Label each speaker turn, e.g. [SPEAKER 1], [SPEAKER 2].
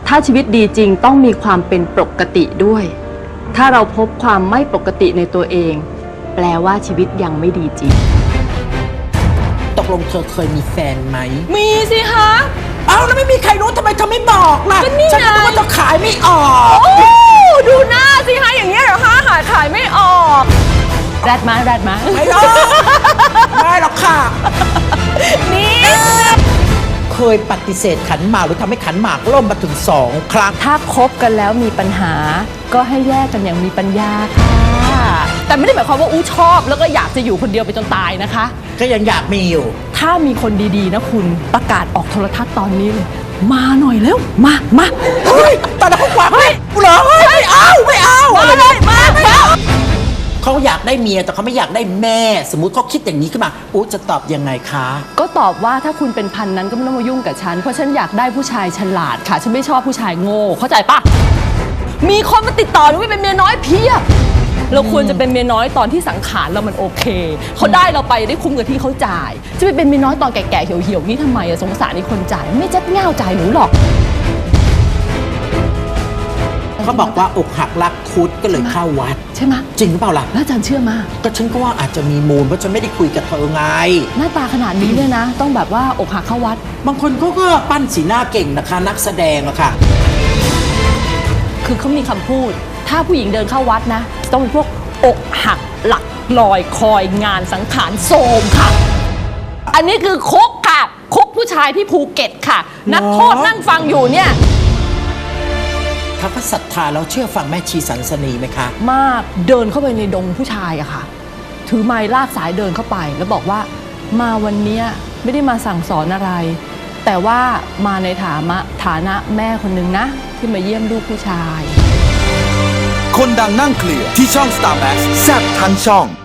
[SPEAKER 1] ถ้าชีวิตดีจริงต้องมีความเป็นปกติด้วยถ้าเราพบความไม่ปกติในตัวเองแปลว่าชีวิตยังไม่ดีจริง
[SPEAKER 2] ตกลงเธอเคยมีแฟนไหม
[SPEAKER 3] มีสิคะ
[SPEAKER 2] เอ้าแล้วไม่มีใครรู้ทำไมเธอไม่บอกล่ะฉันรู้ว่าเธอขายไม่ออก
[SPEAKER 3] โอ้ดูหน้าสิคะอย่างเงี้ยเหรอคะขายไม่ออกแรดมา
[SPEAKER 2] ไม่หรอกไม่หรอกค่ะ
[SPEAKER 3] นี่
[SPEAKER 2] เคยปฏิเสธขันหมากหรือทำให้ขันหมากล่มมาถึง2 ครั้ง
[SPEAKER 3] ถ้าคบกันแล้วมีปัญหาก็ให้แยกกันอย่างมีปัญญาค่ะแต่ไม่ได้หมายความว่าอู้ชอบแล้วก็อยากจะอยู่คนเดียวไปจนตายนะคะ
[SPEAKER 2] ก็ยังอยากมีอยู่
[SPEAKER 3] ถ้ามีคนดีๆนะคุณประกาศออกโทรทัศน์ตอนนี้เลยมาหน่อยเร็วมา
[SPEAKER 2] เฮ้ยตอนนั้นเขากวาดเลยเหรอไม่เอา
[SPEAKER 3] มาเลยมา
[SPEAKER 2] เขาอยากได้เมียแต่เขาไม่อยากได้แม่สมมุติเขาคิดอย่างนี้ขึ้นมาอู้จะตอบยังไงคะ
[SPEAKER 3] ก็ตอบว่าถ้าคุณเป็นพันนั้นก็ไม่ต้องมายุ่งกับฉันเพราะฉันอยากได้ผู้ชายฉลาดค่ะฉันไม่ชอบผู้ชายโง่เข้าใจปะมีคนมาติดต่อหนูเป็นเมียน้อยเพียบเราควรจะเป็นเมียน้อยตอนที่สังขารเรามันโอเคเขาได้เราไปได้คุ้มกับที่เขาจ่ายจะไปเป็นเมียน้อยตอนแก่ๆเหี่ยวๆนี่ทำไมสงสารในคนจ่ายไม่จะเง่าจ่ายหนูหรอก
[SPEAKER 2] เขาบอกว่าอกหักรักคุดก็เลยเข้าวัด
[SPEAKER 3] ใช่ไหม
[SPEAKER 2] จริงหรือเปล่าล่ะ
[SPEAKER 3] แล้วอาจารย์เชื่อมา
[SPEAKER 2] ก็ฉันก็ว่าอาจจะมีมูลเพราะฉันไม่ได้คุยกับเธอไง
[SPEAKER 3] หน้าตาขนาดนี้เนี่ยนะต้องแบบว่าอกหักเข้าวัด
[SPEAKER 2] บางคนเขาก็ปั้นสีหน้าเก่งนะคะนักแสดงอะค่ะ
[SPEAKER 3] คือเขามีคำพูดถ้าผู้หญิงเดินเข้าวัดนะต้องเป็นพวกอกหักหลักลอยคอยงานสังขารโทรมค่ะอันนี้คือคุกค่ะคุกผู้ชายที่ภูเก็ตค่ะนักโทษนั่งฟังอยู่เนี่ย
[SPEAKER 2] ถ้าเขาศรัทธาแล้วเชื่อฟังแม่ชีสันสนีไหมคะ
[SPEAKER 3] มากเดินเข้าไปในดงผู้ชายอะค่ะถือไม้ลากสายเดินเข้าไปแล้วบอกว่ามาวันนี้ไม่ได้มาสั่งสอนอะไรแต่ว่ามาในฐานะแม่คนนึงนะที่มาเยี่ยมลูกผู้ชาย
[SPEAKER 4] คนดังนั่งเคลียร์ที่ช่อง Star Max แซ่บทั้งช่อง